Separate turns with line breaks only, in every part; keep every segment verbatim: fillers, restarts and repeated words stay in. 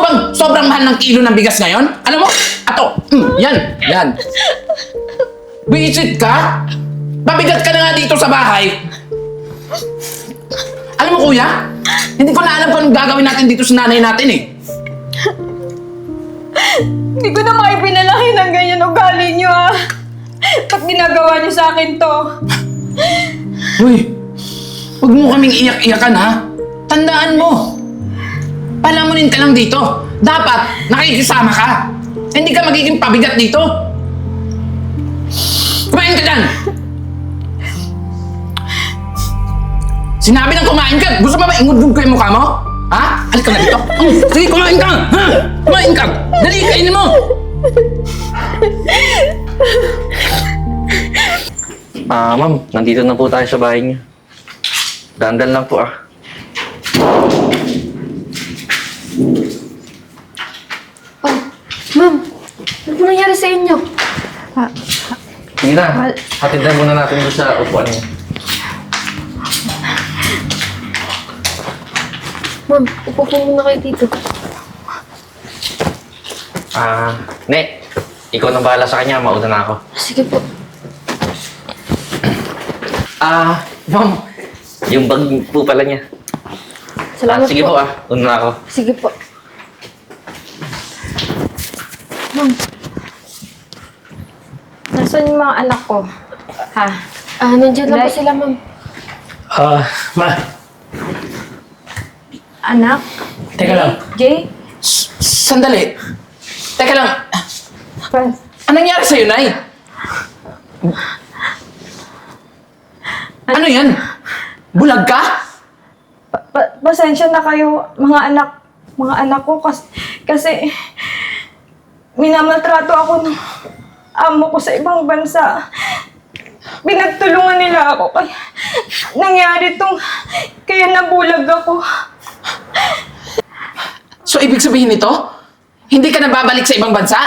bang sobrang mahal ng kilo ng bigas ngayon? Alam mo, ato, mm, yan, yan. Visit ka? Pabigat ka na nga dito sa bahay. Alam mo kuya, hindi ko na alam kung anong gagawin natin dito sa nanay natin eh.
Hindi ko na maipinalahin ng ganyan ugali niyo ah. Ba't ginagawa niyo sa akin to?
Uy, huwag mo kaming iyak-iyakan ha. Tandaan mo, palamunin ka lang dito. Dapat nakikisama ka. Hindi ka magiging pabigat dito. Kumain ka dyan! Sinabi ng kumain ka, gusto mo ba ingudgod ko yung mukha mo? Ha? Alik ka na dito. Mm, sige, kumain ka! Ha? Kumain ka! Dali, kainin mo!
Ah, ma'am, nandito na po tayo sa bahay niyo. Dandal lang po ah.
Oh, ma'am, ano po nangyari sa inyo?
Sige na, hatid na muna natin doon sa upuan niyo.
Ma'am, upo po muna kayo dito.
Ah, Ne, ikaw nang bahala sa kanya, mauna na ako.
Sige po.
Ah, ma'am, yung bag po pala niya.
Salamat
Ah, sige po
po.
ah, una na ako.
Sige po. Ma'am,
Nasaan yung mga anak ko? Ha?
ah, nandiyan lang po
Like-
sila, ma'am.
Ah, ma,
Anak?
teka lang.
Jay?
S- Sandali. Teka lang,
Franz?
anong nangyari sa'yo, Nay? Ano yan? Bulag ka?
Pa- pa- pasensya na kayo, mga anak, mga anak ko, kasi, kasi minamaltrato ako ng amo ko sa ibang bansa. Pinagtulungan nila ako, kaya nangyari tong, kaya nabulag ako.
So, ibig sabihin nito, hindi ka na babalik sa ibang bansa?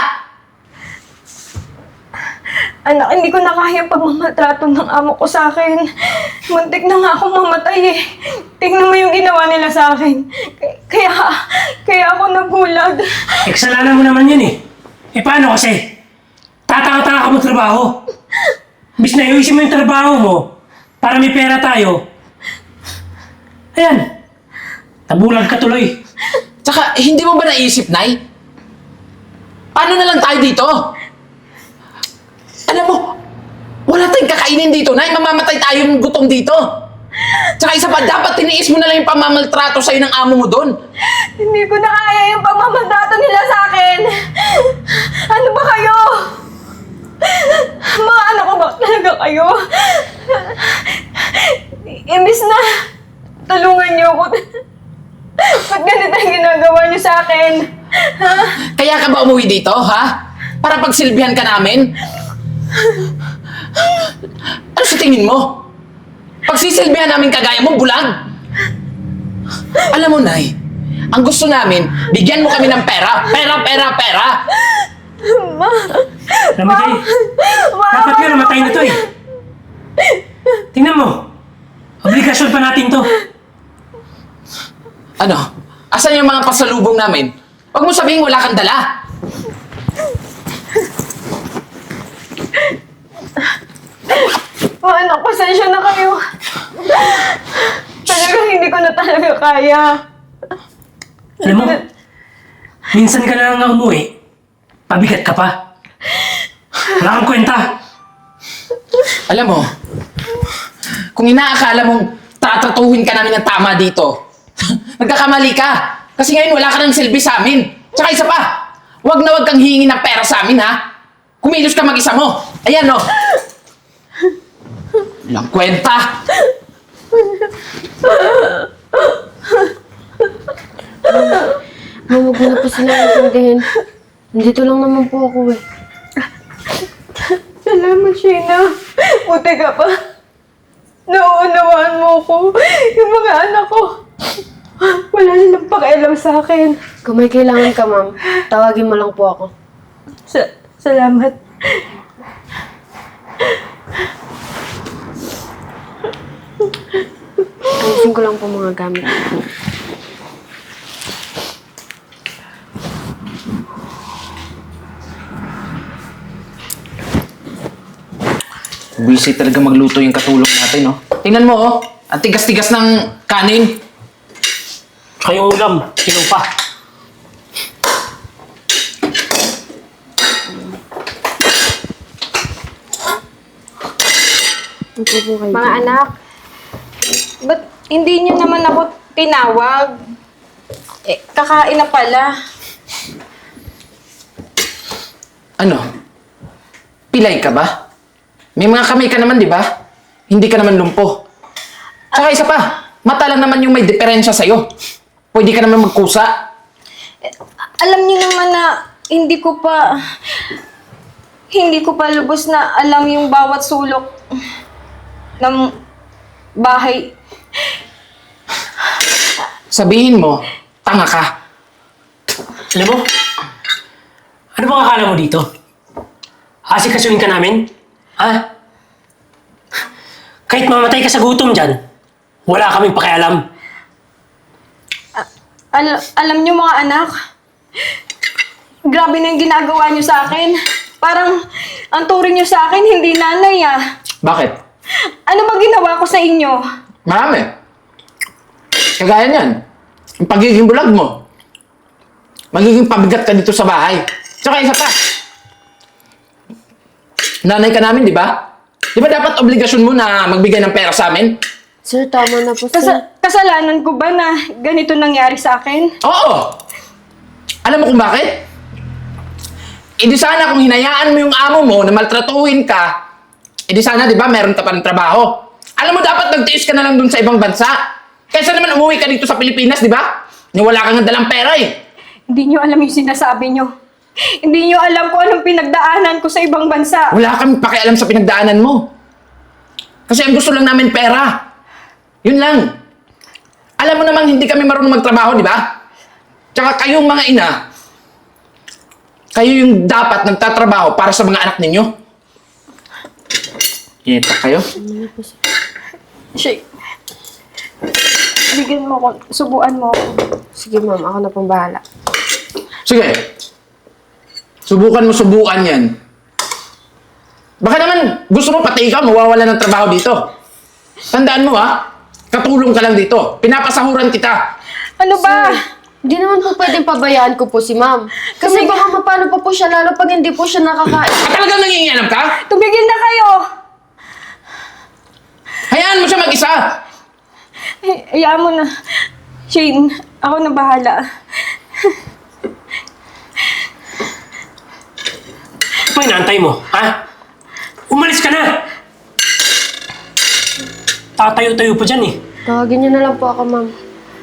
Anak, hindi ko na kaya ang pagmamatrato ng amo ko sa akin. Muntik na nga akong mamatay eh. Tingnan mo yung ginawa nila sa akin. K- Kaya, kaya ako nabulag.
Eh, kasalanan mo naman yan eh. Eh, paano kasi? Tataka-taka ka mo trabaho. Bis na iusin mo yung trabaho mo para may pera tayo. Ayan. Nabulag ka tuloy.
Tsaka, hindi mo ba naisip, Nay? Paano na lang tayo dito? Alam mo, wala tayong kakainin dito, Nay. Mamamatay tayong gutom dito. Tsaka isa pa, dapat tiniis mo na lang yung pamamaltrato sa'yo ng amo mo doon.
Hindi ko na kaya yung pagmamatrato nila sa akin. Ano ba kayo? Mga anak ko ba talaga kayo? Imbis na tulungan niyo ako. Ba't ganito ang ginagawa niyo sa akin? Ha?
Kaya ka ba umuwi dito, ha? Para pagsilbihan ka namin? Ano sa tingin mo? Pagsisilbihan namin kagaya mo, bulag? Alam mo, Nay, ang gusto namin, bigyan mo kami ng pera. Pera, pera, pera.
Ma,
Alam mo, Jay, dapat nga namatay na to eh. Tingnan mo. Obligasyon pa natin to.
Ano? Asan yung mga pasalubong namin? Huwag mo sabihin wala kang dala.
mga anak, pasensya na kayo. Talagang hindi ko na talaga kaya.
Alam mo, minsan ka na lang umuwi, pabigat ka pa. Wala kang kwenta.
Alam mo, kung inaakala mong tatratuhin ka namin ng tama dito, nagkakamali ka. Kasi ngayon wala ka ng silbi sa amin. Tsaka isa pa, wag na wag kang hihingi ng pera sa amin, ha? Kumilos ka mag-isa mo. Ayan, no? Walang kwenta.
Ma'am, huwag mo na po sila intindihin. Nandito lang naman po ako eh.
Salamat, Sheena. Buti ka pa. Nauunawaan mo ko. Yung mga anak ko. Wala nilang pakialam sa akin.
Kung may kailangan ka, ma'am, tawagin mo lang po ako.
Sa salamat.
Ayusin ko lang po mga gamit.
Buwisit talaga magluto yung katulong natin, no? Tingnan mo, oh. Ang tigas-tigas ng kanin.
Tsaka yung ulam, kinuha pa.
Opo po kayo.
Mga anak, ba't hindi niyo naman ako tinawag? Eh, kakain na pala.
Ano? Pilay ka ba? May mga kamay ka naman, di ba? Hindi ka naman lumpo. Tsaka isa pa, mata lang naman yung may diferensya sa'yo. Pwede ka naman magkusa.
Alam niyo naman na hindi ko pa... Hindi ko pa lubos na alam yung bawat sulok ng bahay.
Sabihin mo, tanga ka.
Alam mo? Ano bang akala mo dito? Asikasuhin ka namin? Ha? Kahit mamatay ka sa gutom dyan, wala kaming pakialam.
Al- alam niyo mga anak, grabe na yung ginagawa niyo sa akin. Parang ang turing niyo sa akin, hindi nanay ah.
Bakit?
Ano ba ginawa ko sa inyo?
Marami. Kagaya niyan. Yung pagiging bulag mo. Magiging pabigat ka dito sa bahay. Tsaka isa pa. Nanay ka namin, di ba? Di ba dapat obligasyon mo na magbigay ng pera sa amin?
Sir, tama na po, sir.
Kas- kasalanan ko ba na ganito nangyari sa akin?
Oo! Alam mo kung bakit? E di sana kung hinayaan mo yung amo mo na maltratuhin ka, e di sana, di ba, meron ka pa ng trabaho. Alam mo, dapat nagtiis ka na lang dun sa ibang bansa. Kaysa naman umuwi ka dito sa Pilipinas, di ba? Ni wala kang dalang pera eh.
Hindi niyo alam yung sinasabi niyo. Hindi niyo alam kung anong pinagdaanan ko sa ibang bansa.
Wala kang pakialam sa pinagdaanan mo. Kasi ang gusto lang namin pera. Yun lang. Alam mo namang hindi kami marunong magtrabaho, di ba? Tsaka kayong mga ina, kayo yung dapat nagtatrabaho para sa mga anak ninyo. Iyetak kayo?
Shay, bigyan mo ko, subuan mo ako.
Sige, ma'am. Ako na pong bahala.
Sige. Subukan mo subukan yan. Baka naman gusto mo pati ikaw mawawala ng trabaho dito. Tandaan mo ha, katulong ka lang dito. Pinapasahuran kita.
Ano ba?
Hindi naman po pwedeng pabayaan ko po si ma'am. Kasi
Tumig-
baka mapano pa po siya, lalo pag hindi po siya nakakain.
At talagang nangingialam ka?
Tumigil na kayo!
Hayaan mo siya mag-isa.
Ay, hayaan mo na. Shane, ako na bahala.
Ano ba inaantay mo, ha? Umalis ka na! Tatayo-tayo pa dyan eh.
Tawagin niyo na lang po ako, ma'am.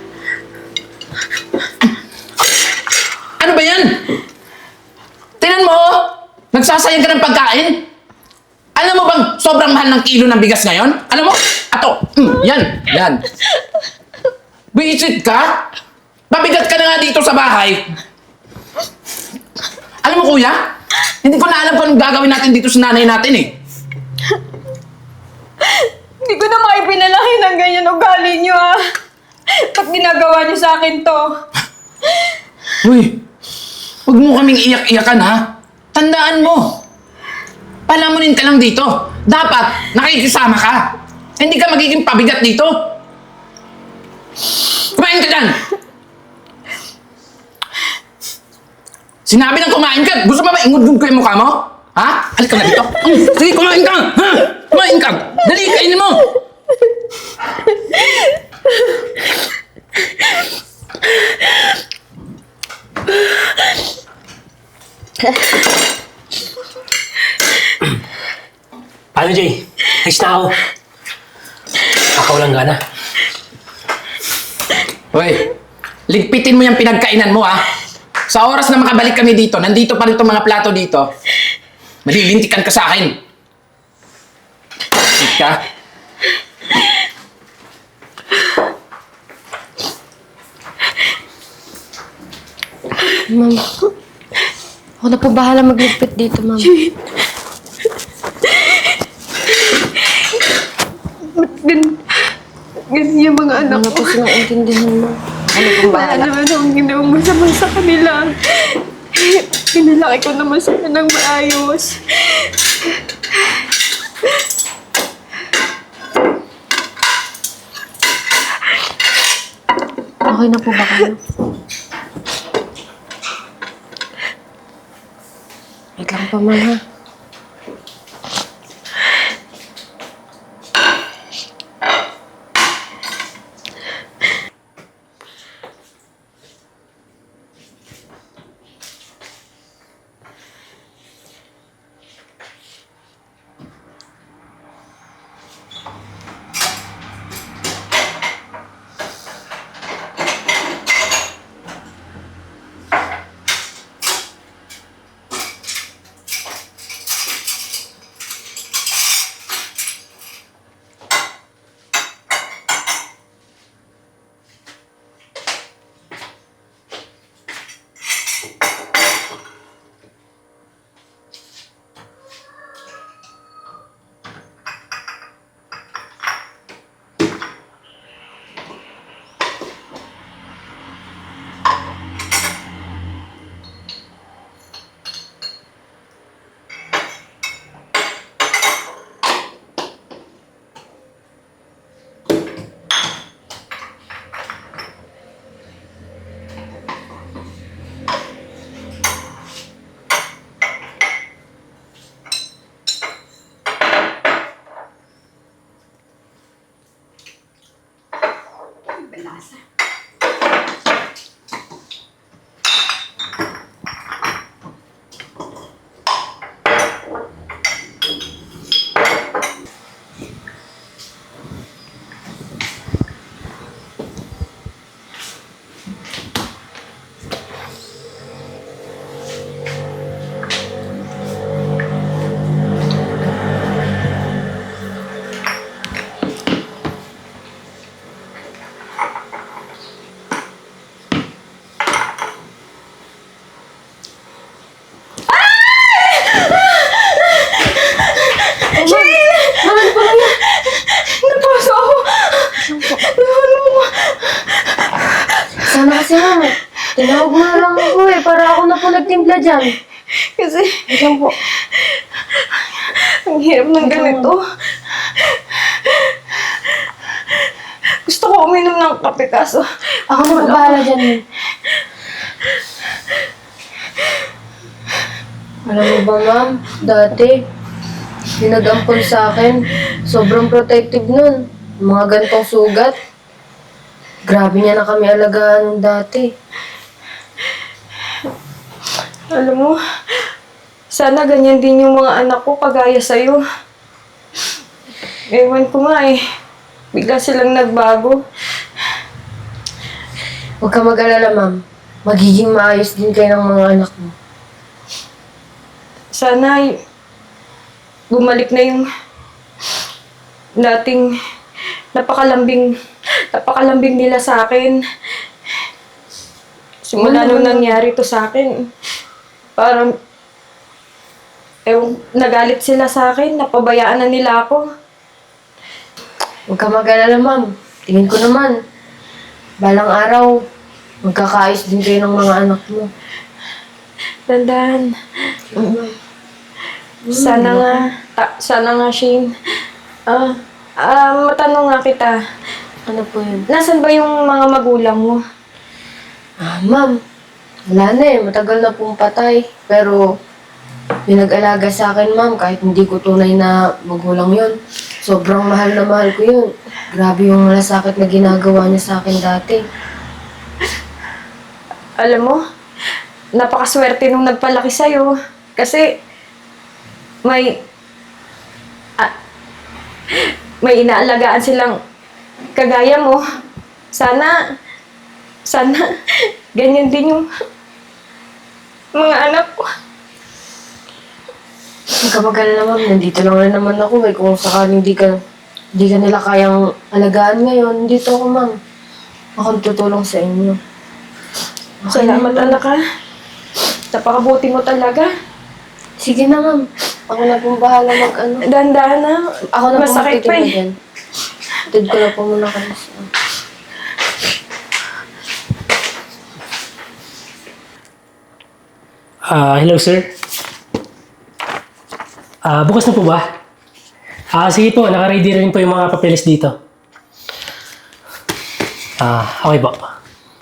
Ano ba yan? Tingnan mo, oh. Nagsasayang ka ng pagkain. Alam mo bang sobrang mahal ng kilo ng bigas ngayon? Alam mo? Ato, mm, yan, yan. Visit ka? Mabigat ka na nga dito sa bahay. Alam mo kuya, hindi ko na alam kung anong gagawin natin dito sa nanay natin eh.
Hindi ko na maipinalaki ng ganyan ugali niyo ah. Ba't ginagawa niyo sa akin to?
Uy, huwag mo kaming iyak-iyakan ha. Tandaan mo, palamunin ka lang dito. Dapat nakikisama ka. Hindi ka magiging pabigat dito. Kumain ka dyan! Sinabi ng kumain ka, gusto pa ba ingudgod ko yung mukha mo? Ha? Halika na dito. Mm, sige, kumain ka! Ha? Kumain ka! Dali, kainin mo!
Paano, Jay? Ayos na ako. Kakawalang gana.
Hoy, ligpitin mo yung pinagkainan mo ha. Sa oras na makabalik kami dito, nandito pa rin itong mga plato dito. Malilintikan ka sa akin. Sit ka.
Ma'am. Ako na po bahala magligpit dito, ma'am.
Gan ganyan yung mga anak
Ano
ko.
po silang intindihan mo? Ano pong
Wala
bahala?
naman akong ginawang masama sa kanila. Pinalaki ko naman sila ng maayos.
Okay na po ba kayo? Wait lang pa, ma'am, ha?
Napaso ako! Naano mo?
Sana kasi, ma'am. Tinawag mo na lang ako eh, para ako na po nagtimpla dyan.
Kasi,
Wait lang po.
ang hirap ng ganito. Gusto ko uminom ng kape kaso.
Ako na po bahala dyan, ma'am. Alam mo ba, ma'am? Dati, pinag-ampon sa akin. Sobrang protective nun. Mga gantong sugat. Grabe niya na kami alagaan nung dati.
Alam mo, sana ganyan din yung mga anak ko kagaya sa'yo. Ewan ko nga eh. Bigla silang nagbago.
Huwag ka mag-alala, ma'am. Magiging maayos din kayo ng mga anak mo.
Sana y- bumalik na yung dating napakalambing napakalambing nila sa akin. Simula nung nangyari to sa akin, parang ewan, nagalit sila sa akin, napabayaan na nila ako.
Huwag ka mag-alala, ma'am. Tingin ko naman, balang araw, magkakaayos din kayo ng mga anak mo.
Dandan. Sana nga, ta- sana nga, Shane. Ah, ah, matanong nga kita,
Ano po yun?
nasan ba yung mga magulang mo?
Ah, ma'am, wala na eh. Matagal na pong patay. Pero, pinag-alaga sa akin, ma'am, kahit hindi ko tunay na magulang yun. Sobrang mahal na mahal ko yun. Grabe yung malasakit na ginagawa niya sa akin dati.
Alam mo, napakaswerte nung nagpalaki sa'yo. Kasi, may, ah, may inaalagaan silang kagaya mo. Sana, sana, ganyan din yung mga anak ko.
Huwag ka mag-alala, ma'am. Nandito lang rin naman ako eh. Kung sakaling hindi ka, hindi ka nila kayang alagaan ngayon, dito ako, ma'am. Ako tutulong sa inyo.
Salamat, anak ha. Napakabuti mo talaga.
Sige na, ma'am. Ako na pong bahala mag-ano.
Dahan-dahan na.
Ako na pong
Masakit pa
magtitimba
eh.
dyan. Tid ko na po muna kayo sa...
Ah, hello sir. Ah, bukas na po ba? Ah, sige po, naka-ready rin po yung mga papeles dito. Ah, okay po.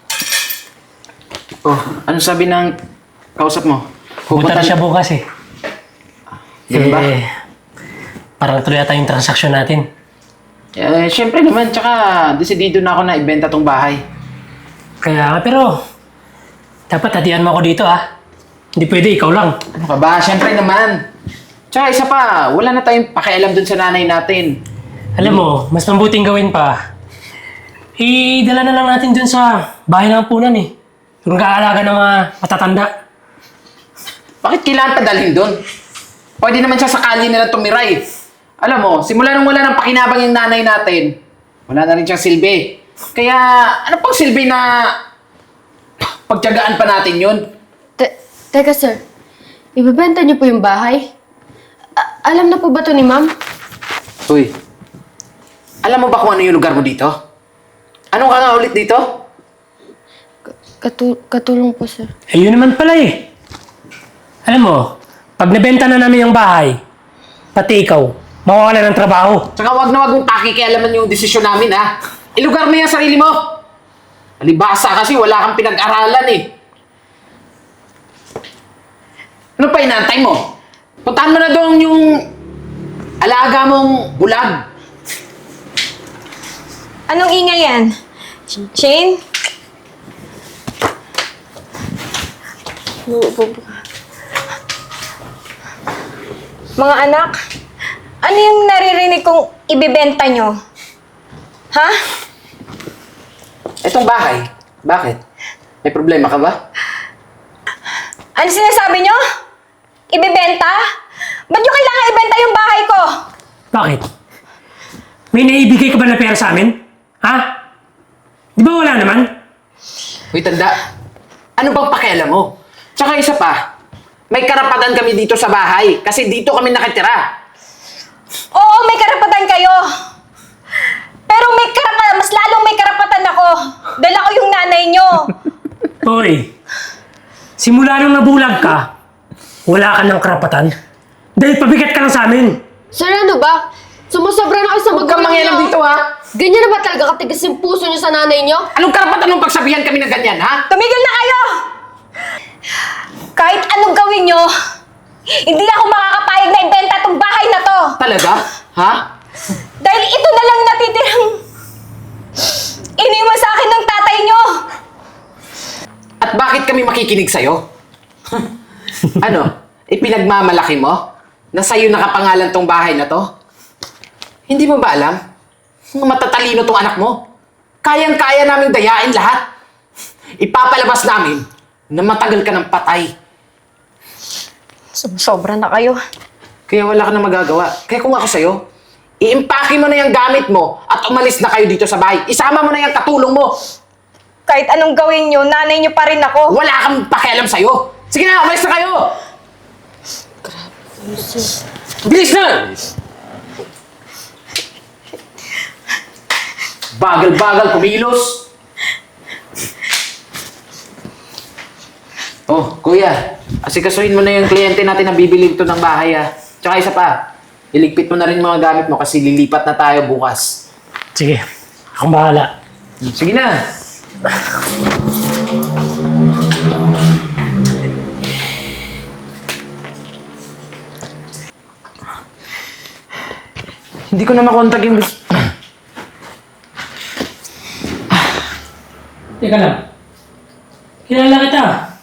Oh, anong sabi ng kausap mo?
Pupunta na siya bukas eh.
Ganun ba?
Eh, parang tuloy yata yung transaksyon natin.
Eh, syempre naman, tsaka desidido na ako na ibenta tong bahay.
Kaya nga, pero dapat hatian mo ako dito ah. Hindi pwede, ikaw lang.
Ano ka ba? Syempre naman. Tsaka isa pa, wala na tayong pakialam dun sa nanay natin.
Alam mo, mas mabuting gawin pa. Idala na lang natin dun sa bahay ng punan eh. Yung kaalaga ng mga matatanda.
Bakit kailangan pa dalhin dun? Pwede naman siya sa kalye nila tumira eh. Alam mo, simula nung wala ng pakinabang yung nanay natin, wala na rin siyang silbi. Kaya, ano pang silbi na pagtiyagaan pa natin yun?
Te- teka sir, ibebenta niyo po yung bahay? A- alam na po ba to ni ma'am?
Uy, alam mo ba kung ano yung lugar mo dito? Anong ka nga ulit dito?
Katu- katulong po sir.
Eh, yun naman pala eh. Alam mo, pag nabenta na namin yung bahay, pati ikaw, mawawala ng trabaho.
Tsaka wag na wag mong pakikialaman yung desisyon namin ha. Ilugar mo yung sarili mo. Alibasa kasi wala kang pinag-aralan eh. Ano pa inantay mo? Puntahan mo na doon yung alaga mong bulag.
Anong ingay yan? Shane? Mga anak, ano yung naririnig kong ibibenta nyo? Ha?
Etong bahay, bakit? May problema ka ba?
Ano sinasabi nyo? Ibibenta? Ba't nyo kailangan ibenta yung bahay ko?
Bakit? May naibigay ka ba na pera sa amin? Ha? Di ba wala naman?
Uy, tanda. Ano bang pakialam mo? Tsaka isa pa, may karapatan kami dito sa bahay kasi dito kami nakatira.
Oo, may karapatan kayo. Pero may karapatan, mas lalong may karapatan ako. Dahil ako yung nanay nyo.
Hoy, simula nung nabulag ka, wala ka ng karapatan. Dahil pabigat ka lang sa amin.
Sir, ano ba? Sumusobra na kayo sa
Huwag kang
magulang
mangyalam
niyo.
dito ha.
Ganyan na ba talaga katigas yung puso niyo sa nanay niyo?
Anong karapatan mong pagsabihan kami ng ganyan ha?
Tumigil na kayo! Kahit anong gawin nyo, hindi ako makakapayag na ibenta tong bahay na to.
Talaga? Ha?
Dahil ito na lang natitirang iniwan sa akin ng tatay nyo.
At bakit kami makikinig sa'yo? Ano? Ipinagmamalaki mo? Na sa'yo nakapangalan tong bahay na to? Hindi mo ba alam? Matatalino tong anak mo. Kayang-kaya naming dayain lahat. Ipapalabas namin na matagal ka ng patay.
Sobra na kayo.
Kaya wala ka na magagawa. Kaya kung ako sa'yo, i-impake mo na yung gamit mo at umalis na kayo dito sa bahay. Isama mo na yung katulong mo.
Kahit anong gawin nyo, nanay nyo pa rin ako.
Wala kang pakialam sa'yo. Sige na, umalis na kayo! Bilis na! Bagal-bagal, kumilos. Oh, kuya. Asikasuhin mo na yung kliyente natin na bibili ito ng bahay ah. Tsaka isa pa, iligpit mo na rin mga gamit mo kasi lilipat na tayo bukas.
Sige, akong bahala.
Sige na. Hindi ko na makontak yung...
Teka lang. Kilala kita.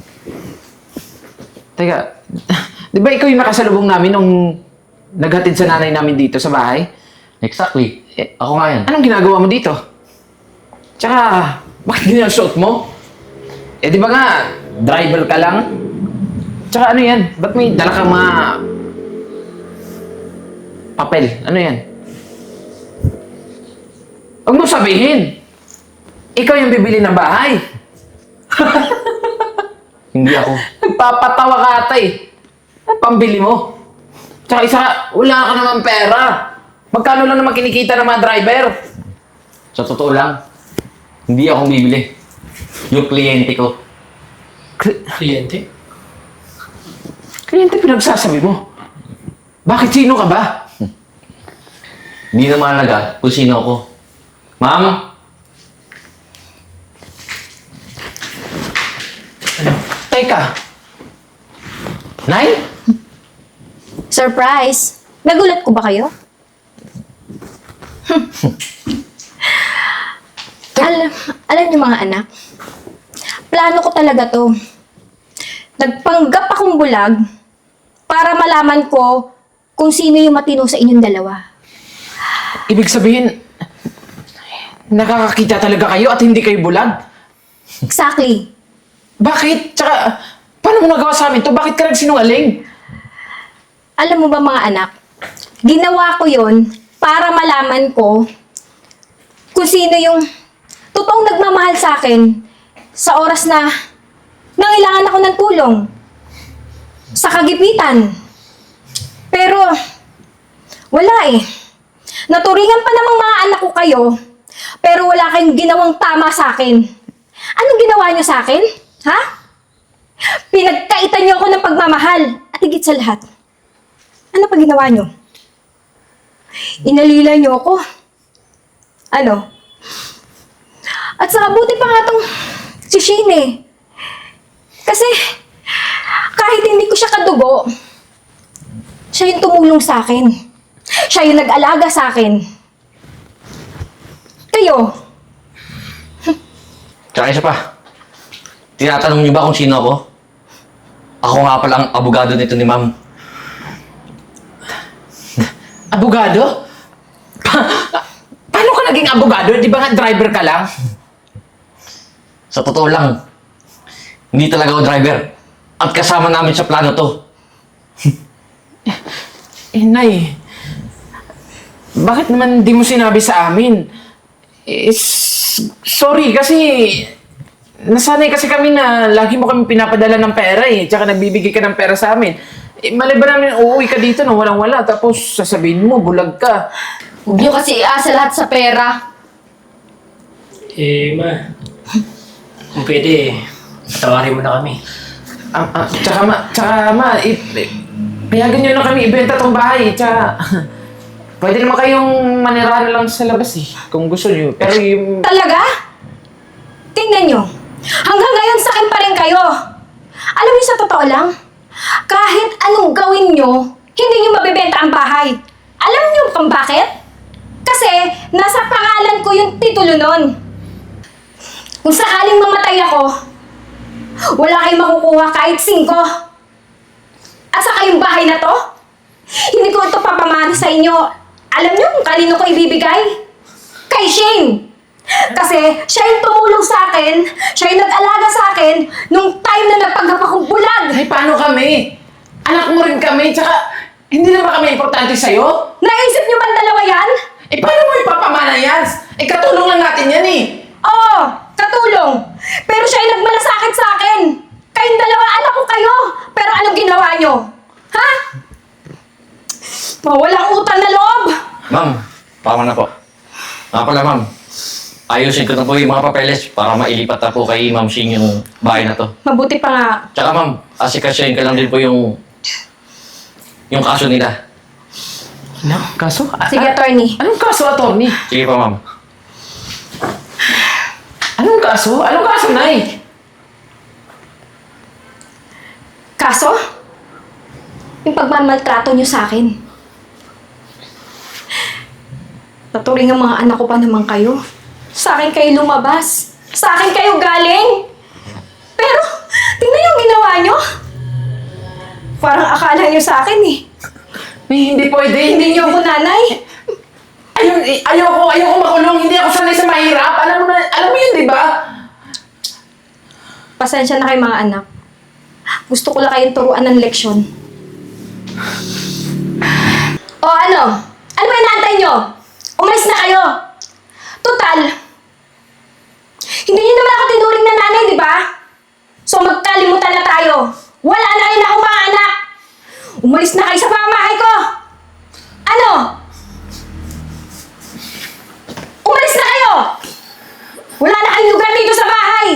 Teka, di ba ikaw yung nakasalubong namin nung naghatid sa nanay namin dito sa bahay?
Exactly.
Eh,
Ako nga yan.
anong ginagawa mo dito? Tsaka, bakit ganyan ang suot mo? Eh di ba nga, driver ka lang? Tsaka ano yan? Ba't may dala kang mga... papel? Ano yan? Huwag mo sabihin! Ikaw yung bibili ng bahay!
Hindi ako.
Nagpapatawa ka ata eh. Ano pambili mo? Tsaka isa, wala ka naman pera. Magkano lang naman kinikita ng mga driver?
Sa totoo lang, hindi ako bibili. Yung kliyente ko.
Kliyente?
Kliyente pinagsasabi mo. Bakit sino ka ba?
Hindi na mahalaga kung sino ako. Ma'am,
Ano
Teka. Nay?
Surprise! Nagulat ko ba kayo? alam, alam niyo mga anak, plano ko talaga to. Nagpanggap akong bulag para malaman ko kung sino yung matino sa inyong dalawa.
Ibig sabihin, nakakakita talaga kayo at hindi kayo bulag?
Exactly.
Bakit? Tsaka, paano mo nagawa sa amin to? Bakit ka nagsinungaling?
Alam mo ba mga anak, ginawa ko yon para malaman ko kung sino yung totoong nagmamahal sa akin sa oras na nangailangan ako ng tulong sa kagipitan. Pero, wala eh. Naturingan pa namang mga anak ko kayo, pero wala kayong ginawang tama sa akin. Anong ginawa niyo sa akin? Ha? Pinagkaitan niyo ako ng pagmamahal at higit sa lahat. Ano pa ginawa niyo? Inalila niyo ako. Ano? At saka buti pa nga tong si Shane eh. Kasi kahit hindi ko siya kadugo, siya yung tumulong sa akin. Siya yung nag-alaga sa akin. Kayo,
Tsaka isa pa. Tinatanong niyo ba kung sino ako? Ako nga pala ang abogado nito ni ma'am.
Abogado? Pa- paano ka naging abogado? Di ba nga driver ka lang?
Sa totoo lang, hindi talaga ako driver. At kasama namin sa plano to.
Eh, Nay, bakit naman di mo sinabi sa amin? Eh, s- sorry kasi nasanay kasi kami na lagi mo kami pinapadala ng pera eh. Tsaka nagbibigay ka ng pera sa amin. Eh, mali ba namin uuwi ka dito na walang-wala tapos sasabihin mo, bulag ka.
Huwag niyo kasi iasa lahat sa pera.
Eh, ma. Kung pwede, patawarin mo na kami.
Ah, ah, tsaka ma, tsaka ma, i, i, payagan nyo na kami ibenta tong bahay. Tsaka, pwede naman kayong manirahan lang sa labas eh, kung gusto nyo. Pero yung...
talaga? Tingnan nyo. Hanggang ngayon sa akin pa rin kayo. Alam niyo sa totoo lang, kahit anong gawin nyo, hindi nyo mabibenta ang bahay. Alam niyo kung bakit? Kasi nasa pangalan ko yung titulo nun. Kung sakaling mamatay ako, wala kayong makukuha kahit singko. At saka yung bahay na to, hindi ko ito papamana sa inyo. Alam niyo kung kanino ko ibibigay? Kay Shane. Kasi siya yung tumulong sa akin, siya yung nag-alaga sa akin nung time na nagpanggap akong bulag.
Ay, paano kami? Anak mo rin kami, tsaka hindi na ba kami importante sa'yo?
Naisip niyo ba ang dalawa yan?
Eh, paano mo ipapamana yan? Eh, katulong lang natin yan eh.
Oo, katulong. Pero siya yung nagmalasakit sa akin. Kayong dalawa, anak ko kayo. Pero anong ginawa niyo? Ha? Walang utang na loob.
Ma'am, tama na po. Nga pala ma'am, ayusin ko na po yung mga papeles para mailipat na po kay Ma'am Shing yung bahay na to.
Mabuti pa nga.
Tsaka ma'am, asikasyahin ka lang din po yung yung kaso nila.
Ano? Kaso? A-
Sige,
a-
attorney.
Anong kaso, attorney?
Sige pa ma'am.
Anong kaso? Anong kaso, Nay?
Kaso? Yung pagmamaltrato niyo sa akin. Naturing ang mga anak ko pa naman kayo. Sa akin kayo lumabas. Sa akin kayo galing. Pero, tingnan yung ginawa niyo. Parang akala niyo sa akin eh.
Eh, hindi pwede.
Hindi niyo ako nanay.
Ayaw, eh, ayoko, ayoko makulong. Hindi ako sanay sa mahirap. Alam mo na, alam mo yun, di ba?
Pasensya na kayo mga anak. Gusto ko lang kayong turuan ng leksyon. O ano? Ano ba inaantay nyo? Umalis na kayo! Total, hindi nyo naman ako tinuring na nanay, di ba? So magkalimutan na tayo. Wala na rin ako mga anak. Umalis na kayo sa pamamahay ko. Ano? Umalis na kayo! Wala na kayong lugar dito sa bahay.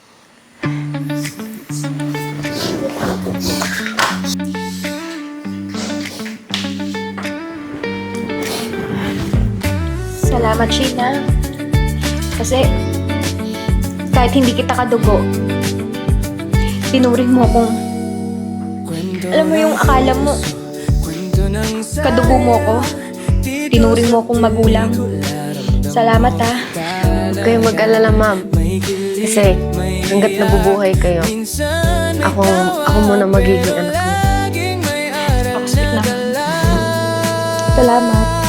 Salamat, Sheena. Kasi, kahit hindi kita kadugo,
tinuring mo akong... Alam mo yung akala mo, kadugo mo ko. Tinuring mo akong magulang. Salamat ha.
Huwag kayong mag-alala, ma'am. Kasi hanggat nabubuhay kayo, ako, ako muna magiging anak mo.
Ako sweet naman. Salamat.